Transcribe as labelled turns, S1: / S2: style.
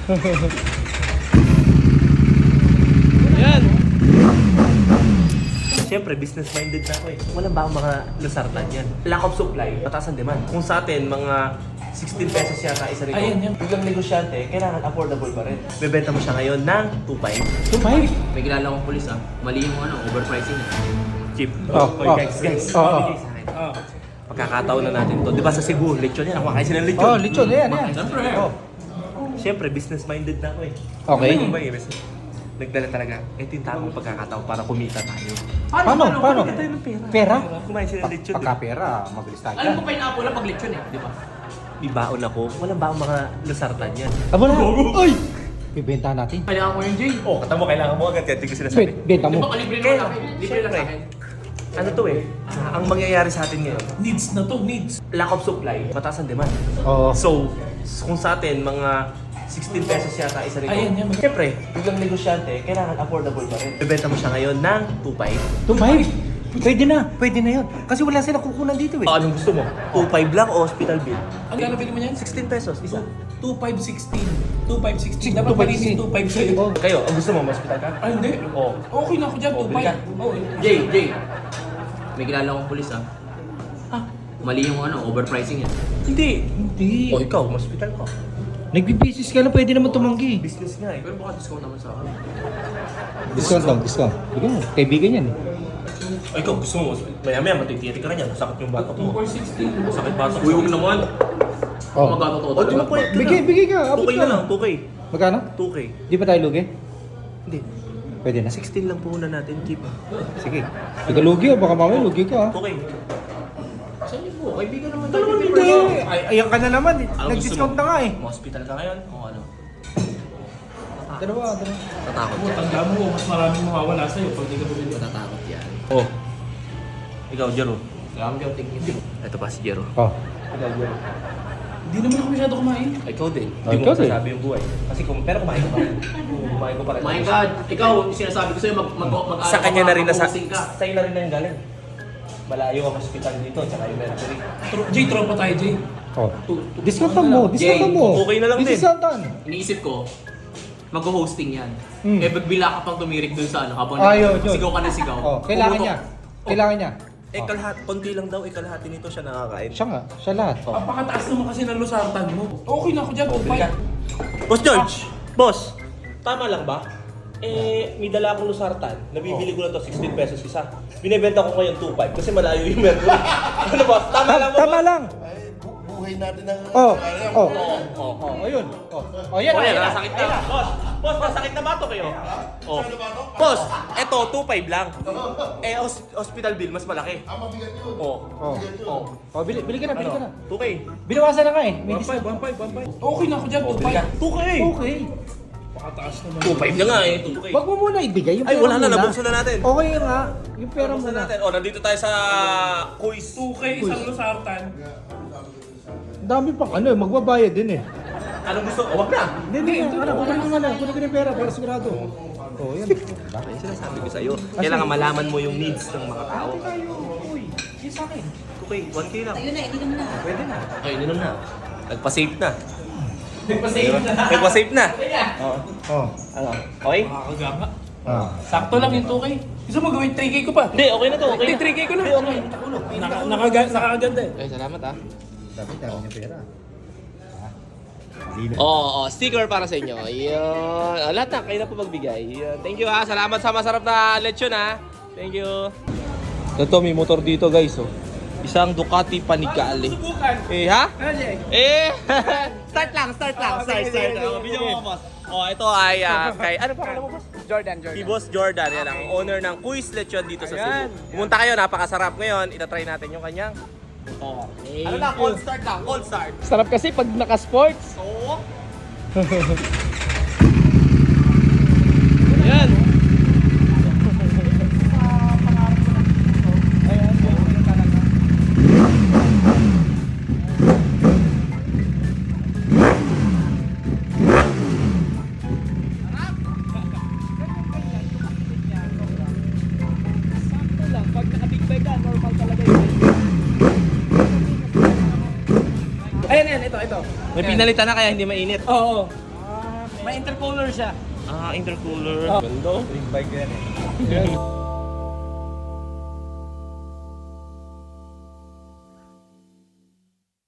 S1: Yan. Siyempre, business-minded na ako eh. Walang ba ang mga lusartan yan? Lack of supply, mataas ang demand. Kung sa atin, mga 16 pesos yata isa rito.
S2: Ayan, yan.
S1: Biglang negosyante, kailangan affordable pa rin. Bebenta mo siya ngayon ng 2.5.
S2: 2.5?
S3: May kilala kong pulis mali yung overpricing.
S1: Cheap.
S2: Oh,
S1: Oy,
S2: oh.
S1: guys.
S2: Oh,
S1: Bigay sa akin. Pagkakataon na natin to. Di ba sa Cebu, lechon yan. Ako kain sila ng lechon.
S2: Oh, lechon. Ayan.
S3: Siyempre.
S2: Oh.
S1: Siyempre, business-minded na ako eh.
S2: Okay.
S1: Ano ba eh? Nagdala talaga. Ito yung tamang pagkakataon para kumita tayo.
S2: Paano?
S1: Kumita tayo ng pera.
S2: Pera?
S1: Kumain sila ng lechon.
S2: Pagka-pera, mabilis tayo.
S3: Alam ko pineapple na pag lechon di ba?
S1: May baon ako. Walang baong mga lusartan yan.
S2: Aba na! Uy! Ibenta natin.
S3: Kailangan mo yun, Jay.
S1: Oh, kata mo, kailangan mo agad. Kaya tingin ko sinasabi.
S2: Benta
S3: Di
S2: mo.
S3: ba kalibre
S1: Kaya,
S3: naman namin? Libre lang sa akin.
S1: Ano to eh? Ang mangyayari sa atin ngayon,
S2: Needs na to, needs.
S1: lack of supply, mataas ang demand.
S2: Oo.
S1: So, kung sa atin, mga 16 pesos yata isa rito.
S2: Ayan, yan.
S1: Siyempre, biglang negosyante, kailangan affordable pa rin. Bebenta mo siya ngayon ng 2.5.
S2: 2.5? Pwede na yun. Kasi wala silang kukunan dito eh.
S1: Anong gusto mo? 2.5 lang o hospital bill?
S2: Ang gano'n bili mo yan?
S1: 16 pesos, isa.
S2: 2.516. 2.516. Dapat malinis 2.5 sa'yo.
S1: Oh, kayo, ang gusto mo, hospital ka?
S2: Ay, hindi.
S1: Oo.
S2: Okay na ako dyan,
S1: Oh, bili ka.
S2: 2.5. Oo.
S3: Jay. May kilala kong pulis mali yung overpricing yan.
S1: Hindi.
S2: Hindi.
S1: O ikaw, hospital ka.
S2: Nagbibisis ka lang, pwede naman tumanggi.
S1: Business nga eh.
S3: Pero baka discount naman sa akin.
S2: Discount lang, discount. Bigyan mo, kaibigan yan eh.
S1: O ikaw, gusto mo, maya-maya matitiri ka na yan. Sakit yung batok mo.
S3: 2.16.
S1: Sakit batok.
S3: Uy, huwag naman.
S2: Oh.
S3: Magkatotoo
S1: O, di mo pwede ka.
S2: Bigay ka, abot
S1: 2K
S2: ka.
S1: na lang, 2K.
S2: Magkano?
S1: 2K.
S2: Di ba tayo lugi?
S1: Hindi.
S2: Pwede na.
S1: 16 lang puhunan natin, keep.
S2: Sige. Ikaw lugi baka mamaya lugi ka ha.
S1: 2K.
S3: Saan niyo po? Kaibigan naman
S2: Ano
S3: tayo.
S2: hindi? Ayan ka na naman.
S1: Anong
S2: Nag-discount
S1: gusto
S2: na
S1: mo?
S2: nga eh.
S1: Hospital ka ngayon?
S3: Oo, ano?
S2: Dalawa.
S1: Tatakot yan.
S4: Tanda mo, mas maraming mawawala sa'yo pag di ka bumili.
S3: Matatakot yan.
S1: Oh. Ikaw, Jero.
S3: Kailangan mo yung tingin.
S1: Ito pa si Jero.
S2: Oh.
S4: Hindi naman ako masyado kumain.
S1: Ikaw din.
S2: Oh,
S1: Hindi
S2: ikaw
S1: mo
S2: din.
S1: masasabi yung buhay. Kasi pero kumain ko pa rin. Kumain ko pa rin.
S3: My God, ikaw, sinasabi ko sa'yo,
S1: Sa kanya na rin nasa...
S3: mag-hosting ka.
S1: Sa'yo na rin na yung galing. Malayo ang hospital dito, tsaka yung mercury.
S4: Jay, tropa tayo, Jay.
S2: Oh. Discountan mo. Discountan mo.
S1: okay na lang din.
S2: Discountan.
S3: Iniisip ko, mag-hosting yan.
S2: Hmm.
S3: Bagbila ka pang tumirik dun sa habang
S2: Yun.
S3: sigaw ka na sigaw.
S2: Oh, kailangan
S3: Pumutok.
S2: niya. Kailangan niya.
S1: Kalahati, konti lang daw, kalahati nito siya nakakain.
S2: Siya nga. Siya lahat.
S4: Apakataas naman kasi ng lusartan mo. Okay na ako dyan,
S1: Bili ka.
S4: 2.5.
S1: Boss George! Boss! Tama lang ba? May dala akong lusartan. Nabibili ko lang to 16 pesos isa. Binibenta ko ngayon 2.5 kasi malayo yung mercury. Ano boss? Tama lang ba?
S2: Tama lang.
S5: Buhay natin ng...
S2: Ayun. Oh, yan.
S1: Oh, yan,
S2: Yan.
S1: nasakit na. Boss, nasakit na bato kayo. Oh. Boss, eto 2.5 lang. Hospital bill mas malaki.
S5: mabigat yun.
S1: Oh.
S2: Oh, bili ka na.
S1: 2K.
S2: Binawasan na nga eh. May
S4: 1.5, 1.5. Okay na ako dyan, 2.5.
S1: 2K.
S2: Okay.
S4: Apakataas naman.
S1: 2.5 na nga eh, 2K.
S2: Wag mo muna ibigay yung
S1: Ay,
S2: pera
S1: wala na,
S2: muna.
S1: nabuksan na natin.
S2: Okay nga. Yung pera
S1: Buksan
S2: muna.
S1: natin. Oh, nandito tayo sa quiz.
S4: 2K isang lusartan.
S2: Ang dami pang magbabayad din eh.
S1: Anong gusto? Oh, wag na.
S2: Hindi. Kunin ko na. Kunin ko na yung pera para sigurado. Oh, yan.
S1: Bakit sinasabi ko sa'yo? Kailangan malaman mo yung needs ng mga tao.
S2: Uy, yung sa akin.
S1: 2K, 1K lang.
S6: Ayun na, hindi naman na.
S2: Pwede na.
S1: Okay, ininom na. Nagpa-save na.
S3: Nagpa-save na.
S1: Nagpa-save na. Oo.
S2: Oh.
S1: Ano? Okay?
S4: Makakagama.
S2: Ah.
S4: Sakto lang yung 2K. Gusto mo gawin 3K ko pa?
S1: Hindi, okay na to. Okay
S4: Hindi,
S1: na.
S4: 3K ko na.
S1: Hindi, okay.
S4: Nakakaganda eh.
S3: Okay, salamat
S2: Dami yung pera.
S1: Oo, sticker para sa inyo. Ayun. Lahat na, kayo na po magbigay. Ayun. Thank you ha. Salamat sa masarap na lechon ha. Thank you. Ito, may motor dito guys. Oh. Isang Ducati Panigale. Eh, ha? Eh, start lang. Start. Oh, video mo, boss. Oh, ito ay kay, ano pa mo, boss?
S3: Jordan.
S1: Si Boss Jordan, yan ang owner ng Quiz Lechon dito sa Cebu. Pumunta kayo, napakasarap ngayon. Itatry natin yung kanyang. Ano lang, cold start lang, cold start.
S3: Sarap kasi pag naka-sports.
S1: Oo.
S3: Yan.
S4: Ayan, ito.
S1: May pinalitan na kaya hindi mainit.
S4: Oo.
S2: May intercooler siya.
S1: Ah, intercooler. Ganda.
S2: Big bike yan eh.